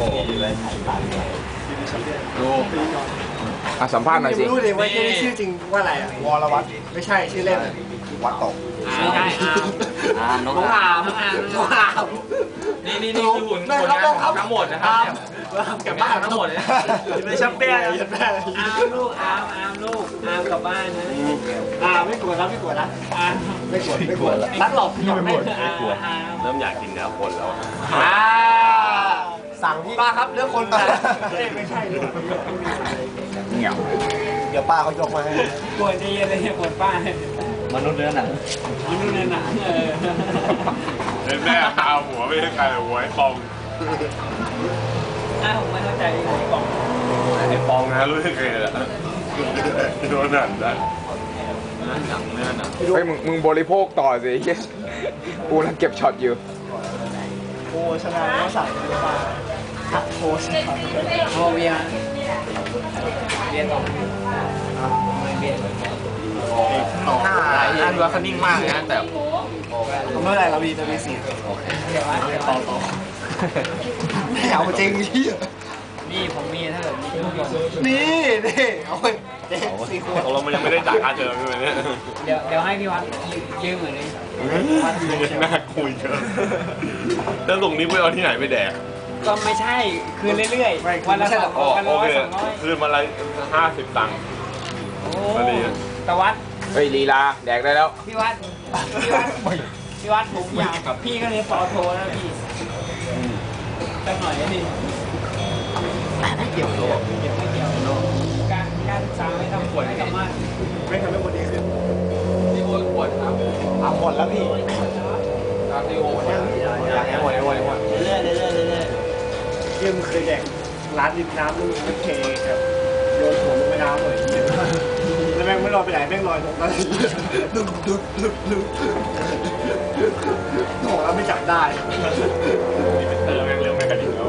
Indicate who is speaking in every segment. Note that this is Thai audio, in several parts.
Speaker 1: ดูสัมภาษณ์หน่อยสิ
Speaker 2: รู้เลยว่าชื่อจริงว่าอะไรอ่ะวรวัตรไม่ใช่ชื่อเล่นวัดตก
Speaker 3: ไม่ใช่น้องอามนี่คือหุ่นทั้งหมดนะครับกลับบ้านทั้งหมดเลยไม่ชับเปี้ยอามลูกอามลูกอามกลับบ้านนะ
Speaker 2: ไม่กลัวนะไม่กลัวนะไม่กลัวนัดหลอกพี่ไปหมด
Speaker 3: ไม่กลัวเริ่มอยากกินเนื้อคนแล้ว
Speaker 2: สั่งที่ป้าครับเรื่องคนแต่ไม่ใช่
Speaker 1: เงี้ย
Speaker 2: เดี๋ยวป้าเขายกมาให้
Speaker 3: ปวดใจเย็นเลยปวดป้ามนุษย์เนื้อหนัง
Speaker 4: เป็นแม่พาหัวไม่ใช่ใครหัวไอ้ปอง
Speaker 3: ผมไม่เข้าใจไอ้ปอง
Speaker 4: ไอ้ปองนะรู้ยังไงล่ะโดนหนังนะ
Speaker 1: เฮ้ยมึงบริโภคต่อสิกูนั่งเก็บช็อตอยู่
Speaker 2: โอ้ชนะแล้วสั่งมาโค้ช
Speaker 3: โอเวียต่อเบีย
Speaker 1: น่าดูว่าเขานิ่งมากนะแต่
Speaker 2: เมื่อไรเรามีสี่ต่อไม่เอาจริงพี่
Speaker 3: นี่ผมมีถ้าเกิด
Speaker 2: นี่เอาไปสี่ขวด
Speaker 4: เรามันยังไม่ได้จ่ายค่าเทอมเลยเนี่ย
Speaker 3: เดี๋ยวให้พี่วัดยืมเหมือนนี้
Speaker 4: น่าคุยเยอะแล้วตรงนี้ไปเอาที่ไหนไปแดก
Speaker 3: ก็ไม่ใช่คืนเรื่อยๆวันละ
Speaker 4: 200คืนมาละ50 ตังค์
Speaker 3: ตะวัด
Speaker 1: เฮ้ยลีลาแดกได้แล้ว
Speaker 3: พี่วัดผมอยากกับพี่ก็เลยปอโทนะพี่ตั้งหน่อยนี่
Speaker 2: ไม่เกี่ยว
Speaker 3: การศึกษาไม่ทำผลให้กับมัน
Speaker 2: ไม่ทำให้คนดีขึ้น
Speaker 1: นี่โอนขวดครับ
Speaker 2: หมดแล้วพี่
Speaker 1: ที่โอนอยากให้หมดเ
Speaker 3: รื่อย
Speaker 2: เยี่ยมเคยแดกร้านริมน้ำลูกมันเทครับโยนหัวลงไปน้ำเลยแล้วแม่งไม่ลอยไปไหนแม่งลอยลงมาดึ๊บโหแล้วไม่จับได้
Speaker 4: แม่งเร็วแม่งกระดิ่งแล้ว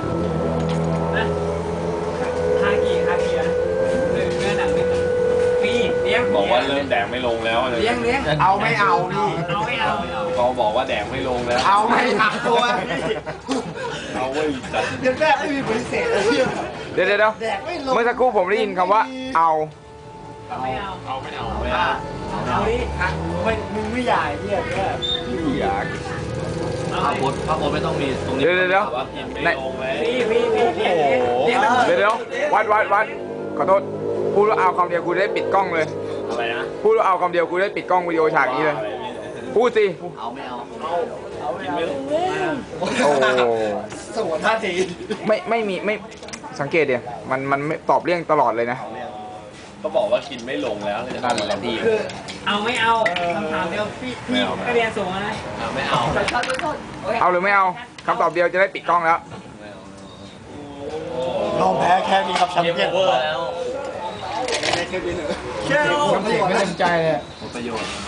Speaker 3: ฮากินะเนื้อหนังนี่ปีเลี้ยง
Speaker 4: บอกว่าเริ่มแดงไม่ลงแล้ว
Speaker 3: เลี้ยง
Speaker 2: เอาไม่เอานี่
Speaker 3: เอาไม่เอา
Speaker 4: เขาบอกว่าแดงไม่ลงแล้ว
Speaker 2: เอาไม่เอาตัว
Speaker 4: เอาไว้จัด
Speaker 2: เดี๋ยวแรกไม่มีบริเศษเลย
Speaker 1: เดี๋ยวเมื่อสักครู่ผมได้ยินคำว่าเอา
Speaker 3: ไม่เอา
Speaker 2: เอาดิมึงไม่ใหญ่เนี่ย
Speaker 1: อยาก
Speaker 3: พระโพสไม่ต้องมีตรงนี้
Speaker 1: เดี๋ยว
Speaker 3: ว่ากินไม่ลงเลย
Speaker 1: เดี๋ยววัดขอโทษพูดว่าเอาคำเดียวกูได้ปิดกล้องเลย
Speaker 4: อะไรนะ
Speaker 1: พูดว่าเอาคำเดียวกูได้ปิดกล้องวิดีโอฉากนี้เลยพูดสิ
Speaker 3: เอาไม่เอา
Speaker 4: กินไม่ลง
Speaker 1: โอ้
Speaker 2: สมท่าที
Speaker 1: ไม่สังเกตเดี๋ยวมันไม่ตอบเรื่องตลอดเลยนะ
Speaker 4: ก็บอกว่ากินไม่ลงแล้วเลย
Speaker 1: นั่นแหละดี
Speaker 3: คือเอาไม่เอาคำถามเดียวพี่ก็เรียนสูงนะ
Speaker 4: ไม่เอา
Speaker 1: หรือไม่เอาคำตอบเดียวจะได้ปิดกล้องแล้ว
Speaker 2: ยอมแพ้แค่นี้ครับแชมเปี้ยน
Speaker 3: แล้ว
Speaker 2: แค่ไม่เต็มใจเลย
Speaker 3: ประโยชน์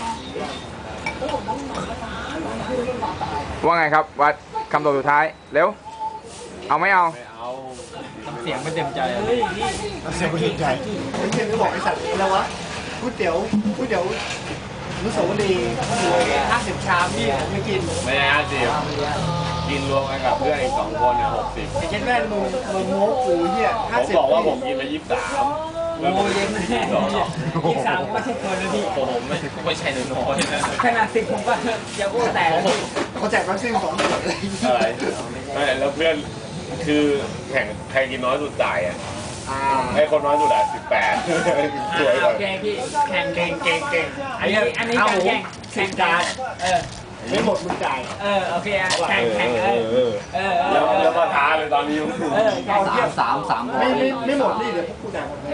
Speaker 1: ว่าไงครับวัดคำตอบสุดท้ายเร็วเอาไม่เอา
Speaker 3: เสียงไม่เต็มใจ
Speaker 2: เสียงไม่เต็มใจผมเพียงจะบอกไอ้สัตว์แล้ววะก๋วยเตี๋ยวนุสาวรีย์50 ชามพี่ไม่กิน
Speaker 4: ไม่ได้50กินรวมกันกับเพื่อนอีก2 คนเนี่ย60
Speaker 2: ไอ้เช่นแม่มึงโม้กูเหี้ย
Speaker 4: ผมบอกว่าผมกินไป23
Speaker 3: โอ้ยเย็นแน่23ก็ไม่ใช่คนนะพี่
Speaker 4: ผมไม่ใช่น้อยนะ
Speaker 3: ขนาด10ผมก็จะอ้วกแตกแล้วพี่
Speaker 2: เขาแจกวัคซีน2 ขวดเลย
Speaker 4: อะไรไม่แล้วเพื่อนคือแข่งใครกินน้อยสุดจ่ายอ่ะให้คนน้อยสุดอ่ะ18สวย
Speaker 3: โอเคพี่แข่งเก่งอันนี้แข่งจาน
Speaker 2: ไม่หมดมึงจ่าย
Speaker 3: โอเคแข่ง
Speaker 4: แล้วมาท้าเลยตอนนี้
Speaker 3: 3
Speaker 2: ไม่หมดนี่เดี๋ยวพวกกูจ่ายหมดเลย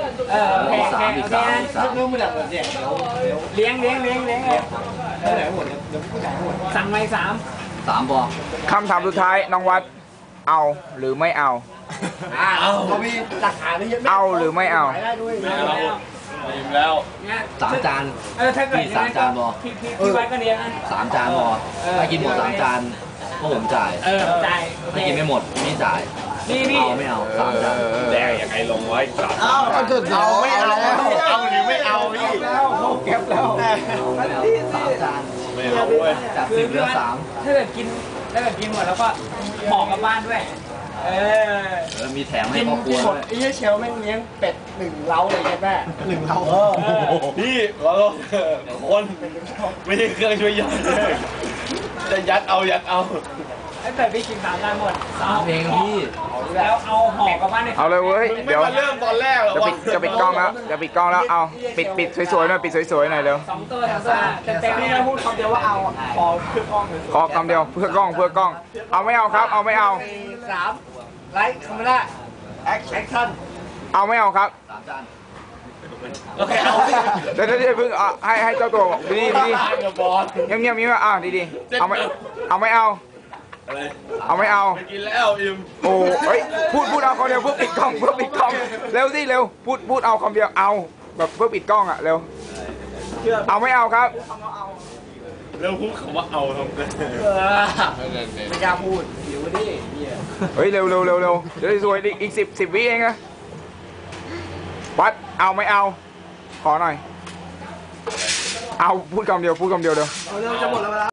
Speaker 3: 3
Speaker 2: เรื่องไม่ได้หมดเนี่ย
Speaker 3: เลี้ยง
Speaker 2: ไหนหมดเดี๋ยวพวกกูจ่ายหมด
Speaker 3: สั่งไป3
Speaker 1: บอกคำถามสุดท้ายน้องวัดเอาหรือไม่เอา
Speaker 2: เรามีหลักฐานเยอะ
Speaker 1: เอาหรือไม่เอา
Speaker 4: อิ่มแล้ว
Speaker 3: 3 จานถ้าเกิด
Speaker 1: 3 จานบอก
Speaker 3: พี่ไว้ก็เลี้ยงนะ
Speaker 1: 3 จานบอกถ้ากินหมด3 จานพวกผมจ่าย
Speaker 3: จ่าย
Speaker 1: ถ้ากินไม่หมดไม่จ่าย
Speaker 3: นี่
Speaker 1: ไม่เอา3 จาน
Speaker 4: แดงอย่างไงลงไว้3 จาน
Speaker 2: เอาไม่เอาเอาหรือไม่เอาพี่
Speaker 1: เก็บแล้ว
Speaker 3: 3 จาน
Speaker 4: ไม่เอาเว้ย
Speaker 1: จาก10 เหลือ 3
Speaker 3: ถ้าเกิดกินหมดแล้วก็ห่อกลับบ้านด้วยมีแถมให้
Speaker 2: กิน
Speaker 3: ครอบครัว
Speaker 2: หมดไอ้เหี้ยเชลแม่งเลี้ยงเป็ด1 เล้าเลยแม่1 เล้า
Speaker 4: พี่ขอโทษคนไม่ใช่เครื่องช่วยย่อยจะยัดเอา
Speaker 3: ไอ้เป็ดพี่กิน3 ได้หมด3เองพี่แล้วเอาห่อกลับบ้านใน
Speaker 1: เอาเลยเว้ย
Speaker 4: มึงไม่
Speaker 1: เดี๋ยว
Speaker 4: มาเริ่มตอนแรกหรอ
Speaker 1: จะปิดกล้องแล้วจะปิดกล้องแล้วเอาปิดสวยๆหน่อยปิดสวยๆหน่อยเร็ว
Speaker 3: 2 ตัวเต็มๆนี่นะพูดคำเดียวว่าเอาขอคือกล้องเลย
Speaker 1: ขอคำเดียวเพื่อกล้องเอาไม่เอาครับเอาไม่เอา
Speaker 2: 3 ไลค์คาเมล่าแอคชั่น
Speaker 1: เอาไม่เอาครับ
Speaker 4: โอเคเอา
Speaker 1: เดี๋ยวเพิ่งให้เจ้าตัวบอกดี
Speaker 4: กับบอล
Speaker 1: เงียบดีๆเอาไม่เอา
Speaker 4: อะไร
Speaker 1: เอาไม่เอา
Speaker 4: ไปกินแล้วอิม
Speaker 1: โอ้เฮ้ยพูดเอาคำเดียวเพื่อปิดกล้องเร็วสิเร็วพูดเอาคำเดียวเอาแบบเพื่อปิดกล้องอ่ะเร็วเอาไม่เอาครับ
Speaker 4: เริ่มพูดคำว่าเอาทำไง
Speaker 2: ไม่กล้าพูดหิวดิเหี้ย
Speaker 1: เฮ้ยเร็วเดี๋ยวสวยอีก10 วิเองนะวัดเอาไม่เอาขอหน่อยเอาพูดคำเดียวเดี๋ยว
Speaker 2: เอาเร็วจะหมดแล้วเวลา